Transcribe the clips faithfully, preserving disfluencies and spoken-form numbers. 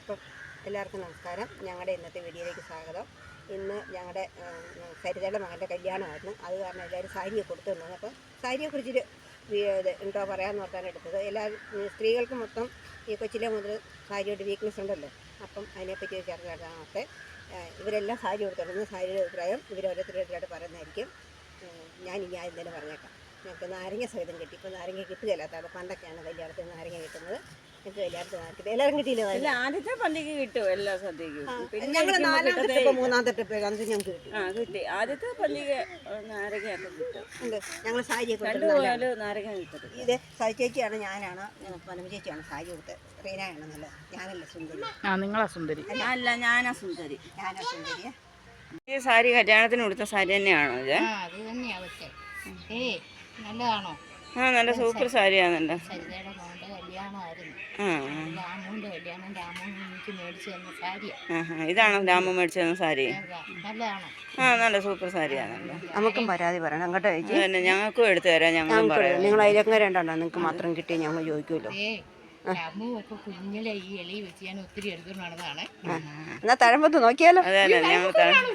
അപ്പം എല്ലാവർക്കും നമസ്കാരം. ഞങ്ങളുടെ ഇന്നത്തെ വീഡിയോയിലേക്ക് സ്വാഗതം. ഇന്ന് ഞങ്ങളുടെ സരിതയുടെ മകൻ്റെ കല്യാണമായിരുന്നു. അത് കാരണം എല്ലാവരും സാരിയൊക്കെ കൊടുത്തു തന്നത്. അപ്പം സാരിയെക്കുറിച്ചൊരു എന്തോ പറയാമെന്ന് ഓർത്താണ് എടുത്തത്. എല്ലാ സ്ത്രീകൾക്കും മൊത്തം ഈ കൊച്ചിലെ മുതൽ സാരിയുടെ വീക്ക്നെസ് ഉണ്ടല്ലോ. അപ്പം അതിനെപ്പറ്റി ഒരു ചർച്ച നടത്താമത്തെ ഇവരെല്ലാം സാരി കൊടുത്തിരുന്നു. സാരിയുടെ അഭിപ്രായം ഇവരോരോരുത്തരോരുത്തരായിട്ട് പറയുന്നതായിരിക്കും. ഞാൻ ഇനി ആദ്യം തന്നെ പറഞ്ഞേക്കാം. ഞങ്ങൾക്ക് നാരങ്ങ സഹിതം കിട്ടി. ഇപ്പോൾ നാരങ്ങ കിട്ടുകയില്ലാത്തതാണ്. പണ്ടൊക്കെയാണ് കല്യാണത്തിന് നാരങ്ങ കിട്ടുന്നത്. ഞങ്ങൾക്ക് കല്യാണത്തിന് നാരങ്ങ എല്ലാവരും കിട്ടിയില്ല. ആദ്യത്തെ പള്ളിക്ക് കിട്ടും എല്ലാ സദ്യക്കും. ഞങ്ങൾ നാലാമത്തെ ട്രിപ്പ് മൂന്നാമത്തെ ട്രിപ്പ് അന്ന് ഞങ്ങൾക്ക് കിട്ടി. ആ കിട്ടി. ആദ്യത്തെ പള്ളിക്ക് നാരങ്ങയൊക്കെ കിട്ടും. ഉണ്ട്. ഞങ്ങൾ സാരിയൊക്കെ നാരങ്ങ കിട്ടും. ഇത് സാരി ചേച്ചിയാണ്, ഞാനാണ്, പനമ ചേച്ചിയാണ് സാരി കൊടുത്തത്. റീനയാണ് നല്ല, ഞാനല്ല സുന്ദരി. ആ നിങ്ങളാ സുന്ദരി. അല്ല ഞാനാ സുന്ദരി. ഞാനാ സുന്ദരി. ഈ സാരി കല്യാണത്തിന് കൊടുത്ത സാരി തന്നെയാണോ ഇത്? അത് തന്നെയാ. പക്ഷേ ഏ നല്ലതാണോ? ആ നല്ല സൂപ്പർ സാരിയാണല്ലോ. സരിതയുടെ മോൻ്റെ കല്യാണമായിരുന്നു. ആ രാമുവിൻ്റെ കല്യാണം. രാമു എനിക്ക് മേടിച്ചു തന്ന സാരിയാ. ആ ഇതാണോ രാമു മേടിച്ചു തന്ന സാരി? നല്ലതാണോ? ആ നല്ല സൂപ്പർ സാരിയാണല്ലോ. നമുക്കും പരാതി പറയണം അങ്ങോട്ട് ചേച്ചി. പിന്നെ ഞങ്ങൾക്കും എടുത്തു തരാം. ഞങ്ങളും പറയാം. നിങ്ങൾ അതിലൊക്കെ രണ്ടെണ്ണോ നിങ്ങൾക്ക് മാത്രം കിട്ടി ഞങ്ങൾ ചോദിക്കുമല്ലോ. ഏ രാമു ഒക്കെ കുഞ്ഞിലെ ഈ എളി വെച്ച് ഞാൻ ഒത്തിരി എടുത്തുകൊണ്ട് നടന്നതാണ്. എന്നാ തഴമ്പത്ത് നോക്കിയാലോ. അതെ അതെ ഞങ്ങൾ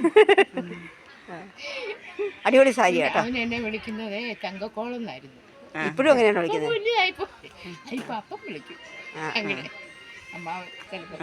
അടിപൊളി സാരി കേട്ടോ. അവൻ എന്നെ വിളിക്കുന്നത് തങ്കക്കോളം എന്നായിരുന്നു. ഇപ്പോഴും അങ്ങനെയാണ് വിളിക്കുന്നത്. കുഞ്ഞായിപ്പോ ഇപ്പൊ അപ്പം വിളിക്കും. അങ്ങനെ അമ്മ ചിലപ്പോ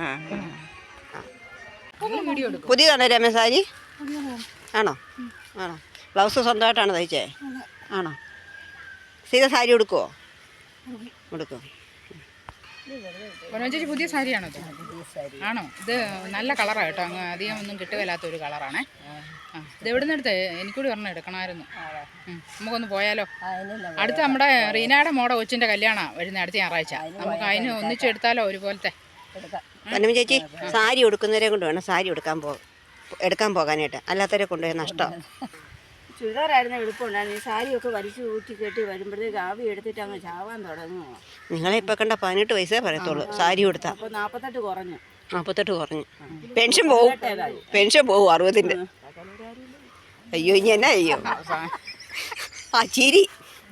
വീഡിയോ എടുക്കും. പുതിയതാണോ രമേ സാരി? ആണോ ആണോ ബ്ലൗസ് സ്വന്തമായിട്ടാണ് തയ്ച്ചേ? ആണോ? സീത സാരി ഉടുക്കുമോ? ഉടുക്കും. ചേച്ചി പുതിയ സാരിയാണോ ഇത്? ആണോ? ഇത് നല്ല കളറാണ് കേട്ടോ. അങ്ങ് അധികം ഒന്നും കിട്ടുകയില്ലാത്തൊരു കളറാണേ. ആ ഇത് എവിടെ നിന്ന് എടുത്തേ? എനിക്കൂടി ഒരെണ്ണം എടുക്കണമായിരുന്നു. നമുക്കൊന്ന് പോയാലോ? അടുത്ത നമ്മുടെ റീനയുടെ മോടെ കൊച്ചിൻ്റെ കല്യാണമാണ് വരുന്നത് അടുത്ത ഞായറാഴ്ച. നമുക്ക് അതിന് ഒന്നിച്ചെടുത്താലോ ഒരുപോലത്തെ? പനമ ചേച്ചി സാരി ഉടുക്കുന്നവരെ കൊണ്ട് വേണം സാരി എടുക്കാൻ പോ എടുക്കാൻ പോകാനായിട്ട്. അല്ലാത്തവരെ കൊണ്ടുപോയി നഷ്ടം. ചുരിദാറായിരുന്നു എളുപ്പമുണ്ടായിരുന്നു. ഈ സാരിയൊക്കെ വലിച്ചു ഊറ്റി കെട്ടി വരുമ്പോഴത്തേക്ക് ആവി എടുത്തിട്ട് അങ്ങ് ചാവാൻ തുടങ്ങുമോ? നിങ്ങളെ ഇപ്പം കണ്ട പതിനെട്ട് വയസ്സേ പറയത്തുള്ളൂ സാരി കൊടുത്താൽ. അപ്പോൾ നാൽപ്പത്തെട്ട് കുറഞ്ഞു. നാൽപ്പത്തെട്ട് കുറഞ്ഞു. പെൻഷൻ പോവും. പെൻഷൻ പോവും അറുപതിൻ്റെ. അയ്യോ ഇനി എന്നാ അയ്യോ ആ ചിരി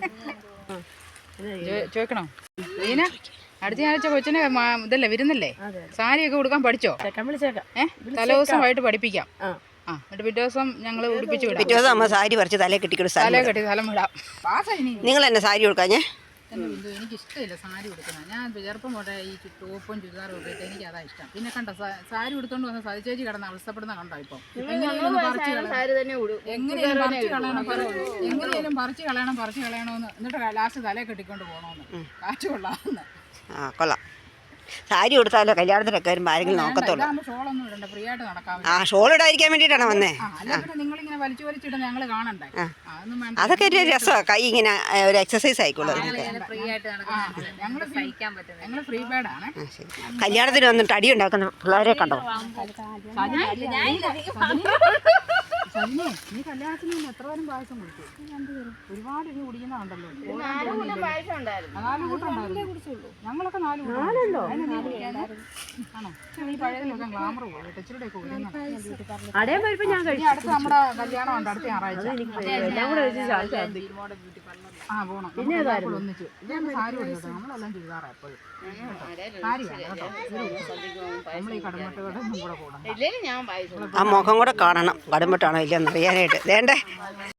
ചോദിക്കണോ? റീന അടുത്ത ആഴ്ച കൊച്ചിനെ ഇതല്ലേ വരുന്നല്ലേ? സാരിയൊക്കെ കൊടുക്കാൻ പഠിച്ചോ? ഏഹ് തലേദിവസമായിട്ട് പഠിപ്പിക്കാം. ആ എന്നിട്ട് പിറ്റേ ദിവസം ഞങ്ങൾ ഉടുപ്പിച്ച് വിടാം. പിറ്റേ ദിവസം അമ്മ സാരി പറിച്ച് തലേ കെട്ടിക്കൊടു. തലേ കെട്ടി സ്ഥലം വിടാം. നിങ്ങൾ എന്നെ സാരി കൊടുക്കാഞ്ഞേ? എനിക്ക് ഇഷ്ടമില്ല സാരി ഉടുക്കുന്നത്. ഞാൻ ചെറുപ്പം പോട്ടെ ഈ ടോപ്പും ചുരിദാറും ഒക്കെ ഇട്ട് എനിക്ക് അതാ ഇഷ്ടം. പിന്നെ കണ്ട സാരി ഉടുത്തോണ്ട് വന്ന സതി ചേച്ചി കിടന്ന് അവസ്ഥപ്പെടുന്ന കണ്ടോ? ഇപ്പം എങ്ങനെയാലും പറിച്ച് കളയണം എങ്ങനെയാലും പറിച്ച് കളയണം പറിച്ച് കളയണമെന്ന് എന്നിട്ട് ലാസ്റ്റ് തലേ കെട്ടിക്കൊണ്ട് പോകണമെന്ന് കാറ്റ് കൊള്ളാമെന്ന്. ആ കൊള്ളാം. സാരി കൊടുത്താലോ കല്യാണത്തിനൊക്കെ വരുമ്പോൾ ആരെങ്കിലും നോക്കത്തുള്ളൂ. ഷോളൊന്നും ഇടണ്ട, ഫ്രീ ആയിട്ട് നടക്കാം. ആ ഷോൾ ഇടാതിരിക്കാൻ വേണ്ടിയിട്ടാണ് വന്നേ. നിങ്ങളിങ്ങനെ വലിച്ചു വലിച്ചിടുന്ന ഞങ്ങൾ കാണണ്ടേ? അതൊക്കെ ഒരു രസമാണ്. കൈ ഇങ്ങനെ ഒരു എക്സസൈസ് ആയിക്കോളൂ. ഞങ്ങൾ ഫ്രീ ബേഡാണ്. കല്യാണത്തിന് വന്നിട്ട് അടി ഉണ്ടാക്കുന്ന പിള്ളേരെ കണ്ടോ? നീ കല്യാണത്തിന് എത്ര പേരും പായസം കുടിച്ചു? ഒരുപാട് ഇനി കുടിക്കുന്നുണ്ടല്ലോ. ഞങ്ങളൊക്കെ നാല് ആണോ? ഈ പഴയതിലൊക്കെ ഗ്ലാമർ പോകും. ടച്ചിലൂടെ ഒക്കെ അടുത്ത് നമ്മുടെ കല്യാണം ഉണ്ട് അടുത്ത ഞായറാഴ്ച. ആ പോണം. പിന്നെ ഒന്നിച്ച് ഇതേ സാരി കൊടുക്കട്ടെ. നമ്മളെല്ലാം ചുരിദാറാ എപ്പോഴും. സാരി വേണം കേട്ടോ. നമ്മൾ ഈ കടമട്ടോടെ കൂടെ പോകണം. ആ മുഖം കൂടെ കാണണം. കടുംപെട്ടാണോ ഇല്ലെന്ന് അറിയാനായിട്ട്. വേണ്ടേ?